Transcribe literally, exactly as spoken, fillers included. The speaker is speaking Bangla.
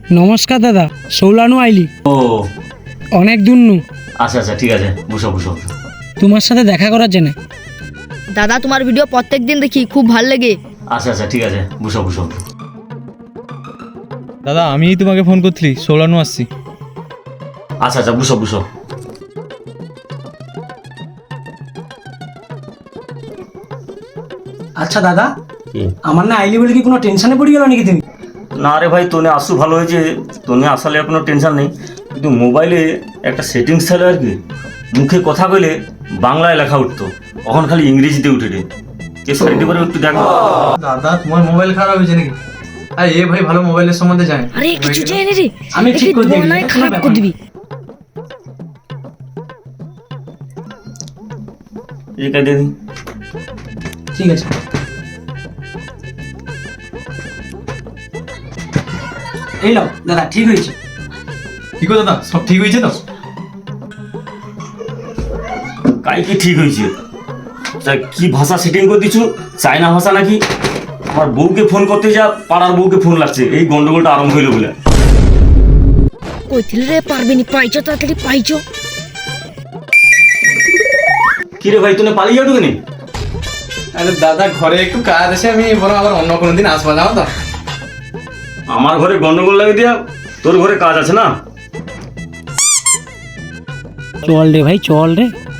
নমস্কার দাদা, সৌলানু আইলি ও অনেক দূর নু আচ্ছা আচ্ছা ঠিক আছে, বসো বসো বসো। তোমার সাথে দেখা করার জন্য। দাদা তোমার ভিডিও প্রত্যেক দিন দেখি, খুব ভাল লাগে। আচ্ছা আচ্ছা ঠিক আছে, বসো বসো। দাদা আমিই তোমাকে ফোন করছিলি, সৌলানু আসছি। আচ্ছা আচ্ছা বসো বসো। আচ্ছা দাদা, কি? আমার না আইলি বলে কি কোনো টেনশনে পড়ে গেল নাকি তুমি? না রে ভাই, তোনে আসু ভালো হয়েছে, তোনে আসলে কোনো টেনশন নেই, কিন্তু মোবাইলে একটা সেটিংস ছিল আর কি, মুখে কথা বলে বাংলায় লেখা উঠতো, এখন খালি ইংরেজিতে উঠে রে। কে সাইডে করে একটু দেখো। দাদা তোমার মোবাইল খারাপ হয়েছে নাকি? আরে এ ভাই ভালো মোবাইলের সম্বন্ধে জানে। আরে কিছু জানি রে, আমি ঠিক করে দিবি, বনায় এটা কোনো খারাপ ব্যাপার করে না। দিবি। এই কাজে দিন। ঠিক আছে। এই নাও দাদা, ঠিক হয়েছে। কি গো দাদা, সব ঠিক হয়েছে তো? কাই কি ঠিক হয়েছে? তা কি ভাষা সেটিং করে দিচ্ছ? চায়না ভাষা নাকি? আমার বউকে ফোন করতে যা, পাড়ার বউকে ফোন লাগছে, এই গন্ডগোলটা আরম্ভ হইলো বলে। কইছিল রে পারবে নি, পাইছো তাড়াতাড়ি পাইছো। কি রে ভাই, তুমি পালিয়ে যাও কেন? আরে দাদা ঘরে একটু কাজ আছে, আমি বরং আবার অন্য কোনো দিন আসবো, জানো তো? আমার ঘরে গন্ডগোল লাগে দিয়া, তোর ঘরে কাজ আছে না? চল রে ভাই, চল রে।